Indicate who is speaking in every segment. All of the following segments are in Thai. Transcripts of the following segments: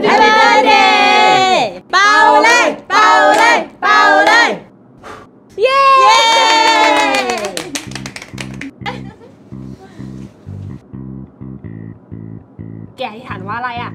Speaker 1: Happy Birthday เป่าเลยเป่าเลยเป่าเลยเย้แกอธิษฐานว่าอะไรอ่ะ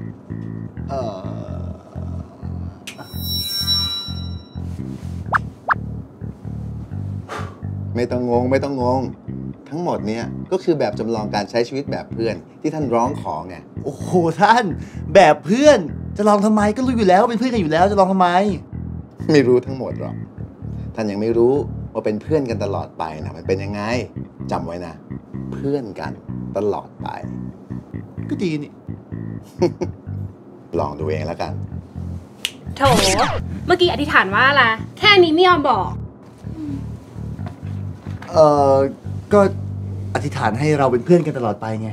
Speaker 2: ไม่ต้องงงไม่ต้องงงทั้งหมดเนี้ยก็คือแบบจำลองการใช้ชีวิตแบบเพื่อนที่ท่านร้องขอไง
Speaker 3: โอ้โหท่านแบบเพื่อนจะลองทำไมก็รู้อยู่แล้วเป็นเพื่อนกันอยู่แล้วจะลองทำไม
Speaker 2: ไม่รู้ทั้งหมดหรอกท่านยังไม่รู้ว่าเป็นเพื่อนกันตลอดไปนะมันเป็นยังไงจำไว้นะเพื่อนกันตลอดไป
Speaker 3: ก็ดีนี่
Speaker 2: ลองดูเองแล้วกัน
Speaker 1: โถเมื่อกี้อธิษฐานว่าอะไรแค่นี้ไม่ยอมบอก
Speaker 3: ก็อธิษฐานให้เราเป็นเพื่อนกันตลอดไปไง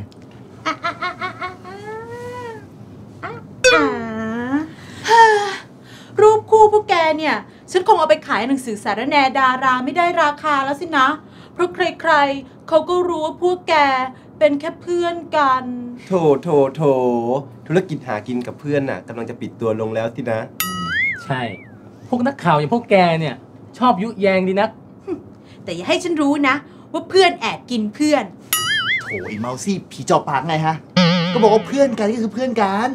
Speaker 4: รูปคู่พวกแกเนี่ยฉันคงเอาไปขายหนังสือสารแนดาราไม่ได้ราคาแล้วสินะเพราะใครๆเขาก็รู้ว่าพวกแกเป็นแค่เพื่อนกัน
Speaker 5: โถธุรกิจหากินกับเพื่อนน่ะกำลังจะปิดตัวลงแล้วสินะ
Speaker 6: ใช่พวกนักข่าวอย่างพวกแกเนี่ยชอบยุแยงดีนัก
Speaker 4: แต่อย่าให้ฉันรู้นะว่าเพื่อนแอบกินเพื่อน
Speaker 3: โถไอ้เมาซี่ผีจอบปากไงฮะก็บอกว่าเพื่อนกันก็คือเพื่อนกัน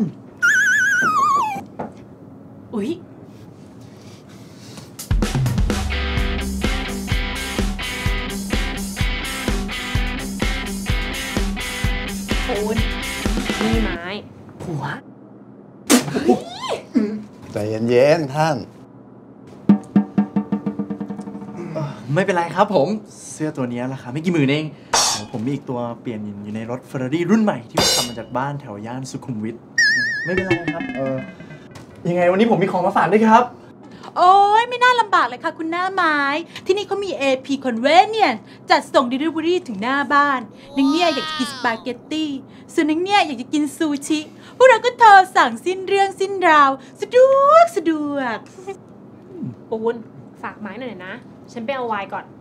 Speaker 4: อุ๊ย
Speaker 1: คุณนี่ไม้
Speaker 4: หัว
Speaker 2: ใจเย็นๆท่าน
Speaker 3: ไม่เป็นไรครับผมเสื้อตัวนี้ราคาไม่กี่หมื่นเองผมมีอีกตัวเปลี่ยนอยู่ในรถ Ferrari รุ่นใหม่ที่ทำมาจากบ้านแถวย่านสุขุมวิทไม่เป็นไรครับยังไงวันนี้ผมมีของมาฝากด้วยครับ
Speaker 4: โอ้ยไม่น่าลำบากเลยค่ะคุณหน้าไม้ที่นี่เขามี AP Convenience จัดส่ง Delivery ถึงหน้าบ้านนังเนี่ยอยากจะกินสปาเกตตี้ส่วนนังเนี่ยอยากจะกินซูชิพวกเราก็โทรสั่งสิ้นเรื่องสิ้นราวสะดวก
Speaker 1: ปูนฝากไม้หน่อยนะฉันไปเอาไวน์ก่อน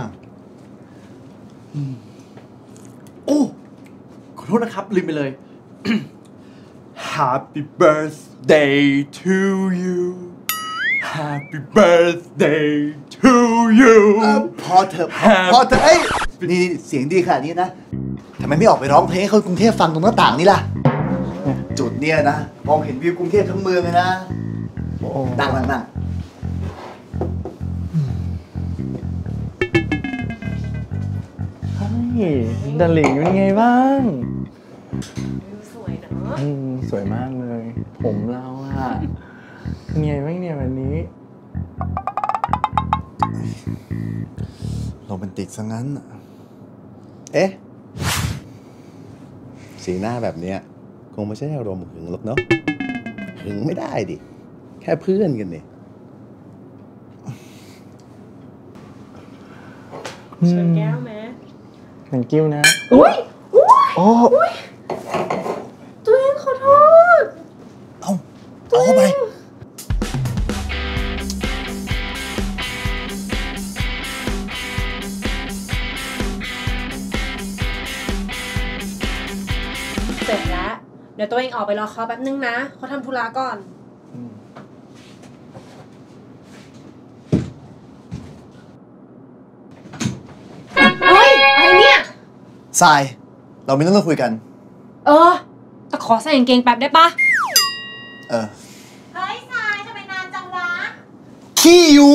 Speaker 3: โอ้ขอโทษนะครับลืมไปเลย Happy birthday to you Happy birthday to you พอเถอะเอ้ยนี่เสียงดีขนาดนี้นะทำไมไม่ออกไปร้องเพลงให้คนกรุงเทพฟังตรงหน้าต่างนี่ล่ะจุดเนี้ยนะมองเห็นวิวกรุงเทพทั้งเมืองเลยนะนั่ง
Speaker 6: ดาริ่งเป็นไงบ้าง
Speaker 1: สวยเนอะ
Speaker 6: สวยมากเลยผมเราอะเป็นไงบ้างเนี่ยวันนี้
Speaker 2: โรแมนติกซะงั้นเอ๊ะสีหน้าแบบเนี้ยคงไม่ใช่อารมณ์หึงหรอกเนาะหึงไม่ได้ดิแค่เพื่อนกันนี่
Speaker 1: เชิญแก้วไหม
Speaker 6: thank you นะ
Speaker 1: อุ้ย
Speaker 6: โอ้
Speaker 1: ตัวเองขอโทษ
Speaker 3: เอาเข้าไป
Speaker 1: เสร็จแล้วเดี๋ยวตัวเองออกไปรอเขาแป๊บนึงนะเขาทำธุระก่อนเฮ้ยอะไรเนี่ย
Speaker 3: ทรายเราไม่ต้องคุยกัน
Speaker 1: แต่ขอใส่กางเกงแป๊บได้ปะ
Speaker 4: เฮ้ยทรายทำไมนานจังวะ
Speaker 3: ขี้อยู่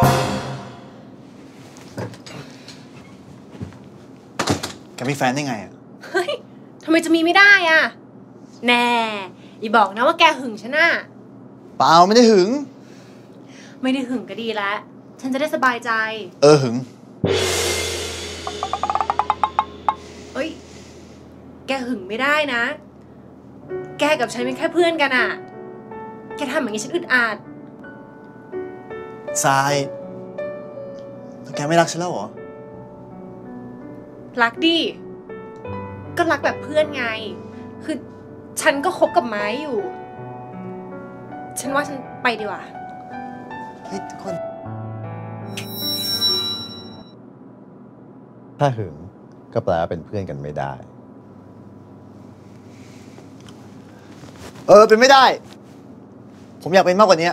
Speaker 3: แกมีแฟนได้ไงอ่ะ
Speaker 1: เฮ้ยทำไมจะมีไม่ได้อ่ะแน่อย่าบอกนะว่าแกหึงฉันน่ะ
Speaker 3: เปล่าไม่ได้หึง
Speaker 1: ไม่ได้หึงก็ดีแล้วฉันจะได้สบายใจ
Speaker 3: หึง
Speaker 1: เฮ้ยแกหึงไม่ได้นะแกกับฉันเป็นแค่เพื่อนกันอ่ะแกทำอย่างนี้ฉันอึดอัด
Speaker 3: ทรายแกไม่รักฉันแล้วเหรอ
Speaker 1: รักดิก็รักแบบเพื่อนไงคือฉันก็คบกับไม้อยู่ฉันว่าฉันไปดีกว่า
Speaker 3: เฮ้ยทุกคน
Speaker 2: ถ้าหึงก็แปลว่าเป็นเพื่อนกันไม่ได้
Speaker 3: เป็นไม่ได้ผมอยากเป็นมากกว่านี้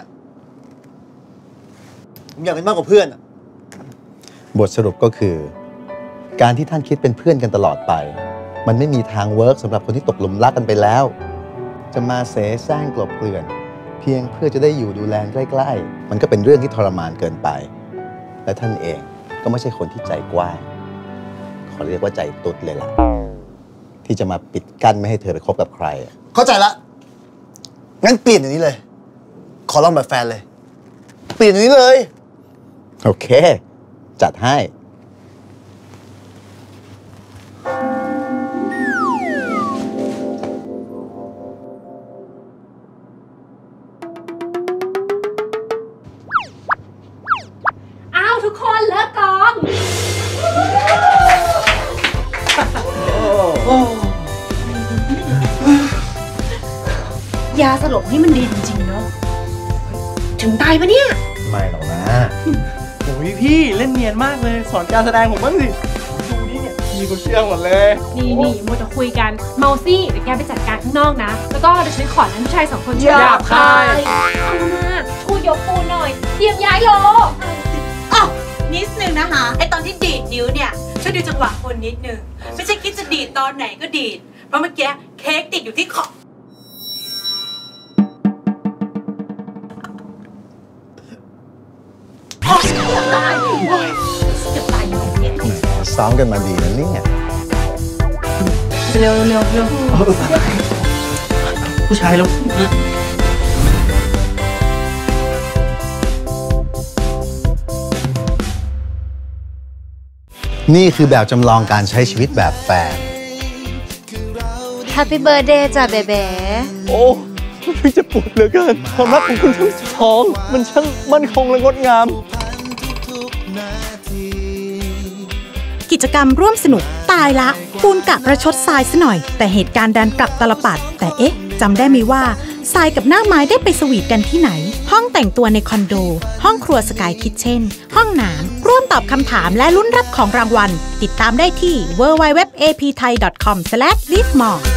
Speaker 3: ผมอยากเป็นมากกว่าเพื่อน
Speaker 2: บทสรุปก็คือ การที่ท่านคิดเป็นเพื่อนกันตลอดไป มันไม่มีทางเวิร์กสำหรับคนที่ตกหลุมรักกันไปแล้ว จะมาเสแสร้งกลบเกลื่อนเพียงเพื่อจะได้อยู่ดูแลใกล้ๆมันก็เป็นเรื่องที่ทรมานเกินไปและท่านเองก็ไม่ใช่คนที่ใจกว้างขอเรียกว่าใจตุ๊ดเลยล่ะที่จะมาปิดกั้นไม่ให้เธอไปคบกับใคร
Speaker 3: เข้าใจละงั้นเปลี่ยนอย่างนี้เลยขอลองแบบแฟนเลยเปลี่ยนอย่างนี้เลย
Speaker 2: โอเคจัดให้
Speaker 1: ทุกคนเลิกกอง ยาสลบนี่มันดีจริงๆเนาะถึงตายปะเนี่ย
Speaker 2: ไม่หรอกนะ
Speaker 6: โอ้ยพี่เล่นเนียนมากเลยสอนการแสดงผมบ้างสิดูนี่เนี่ยมีคนเชื่อหมดเลย
Speaker 1: นี่มัวจะคุยกันเมาซี่เดี๋ยวแกไปจัดการข้างนอกนะแล้วก็เดี๋ยวฉันขอนั้นผู้ชาย2 คน
Speaker 6: หยาบคาย
Speaker 1: เอามาช่วยยกปูนหน่อยเตรียมย้ายโล
Speaker 4: นิดนึงนะคะไอตอนที่ดีดนิ้วเนี่ยช่วยดูจังหวะคนนิดนึงไม่ใช่คิดจะดีดตอนไหนก็ดีดเพราะเมื่อกี้เค้กติดอยู่ที่ขอบตายจะตายอยู่เนี่ย
Speaker 2: ซ้อมกันมาดีนะเนี่ย
Speaker 1: เร็ว
Speaker 6: ผู้ชายแล้ว
Speaker 2: นี่คือแบบจำลองการใช้ชีวิตแบบแฟน
Speaker 7: Happy Birthday จ้ะเบเบ้
Speaker 6: โอ้พี่จะปวดเหลือเกินความรักของคุณทั้งสองมันช่างมั่นคงและงดงาม
Speaker 8: กิจกรรมร่วมสนุกตายละปูนกะประชดทรายซะหน่อยแต่เหตุการณ์ดันกลับตลปัดแต่เอ๊ะจำได้ไหมว่าทรายกับหน้าไม้ได้ไปสวีทกันที่ไหนห้องแต่งตัวในคอนโดห้องครัวสกายคิทเช่นห้องน้ำร่วมตอบคำถามและลุ้นรับของรางวัลติดตามได้ที่ www.apthai.com/livemore